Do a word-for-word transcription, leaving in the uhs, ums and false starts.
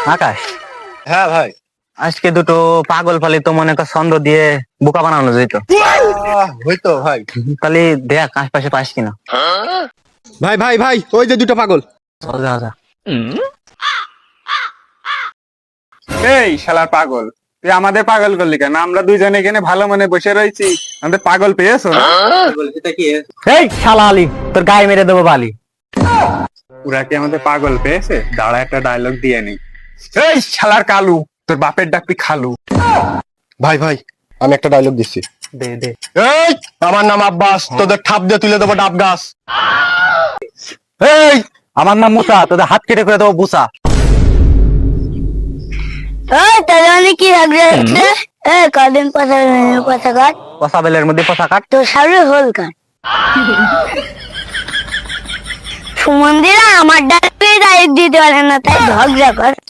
আকাশ, হ্যাঁ ভাই। আজকে দুটো পাগল ফালি তো মনে কর ছন্দ দিয়ে বোকা বানানো যেত। আহ, হইতো ভাই। তাহলে দেখ আশপাশে পাস কিনা। ভাই ভাই ভাই ওই যে দুটো পাগল। চল যা যা। এই শালার পাগল, তুই আমাদের পাগল করলি কেন? আমরা দুইজনে এখানে ভালো মনে বসে রয়েছি, আমাদের পাগল পেয়েছো না? এই শালা আলী, তোর গায়ে মেরে দেবো বালি। ওরা কি আমাদের পাগল পেয়েছে? দাঁড়া একটা ডায়লগ দিয়ে নেই। এই শালার কালু, তোর বাপের ডাকবি খালু। ভাই ভাই আমি একটা ডায়লগ দিচ্ছি। দে দে। এই আমার নাম আব্বাস, তোদের ঠাপ দিয়ে তুলে দেবো ডাব গাছ। এই আমার নাম মুসা, তোদের হাত কেটে করে দেবো বুসা। ওই তাহলে অনেক কি লাগবে? এ কদিন পয়সা পয়সা কাট পচা বেলের মধ্যে পচা কাট। তোর সামনে হোল কাট। সুমন্দিরা আমার ডাক্তারি দায়িত্ব দিতে পারে না, তাই ঝগড়া কর।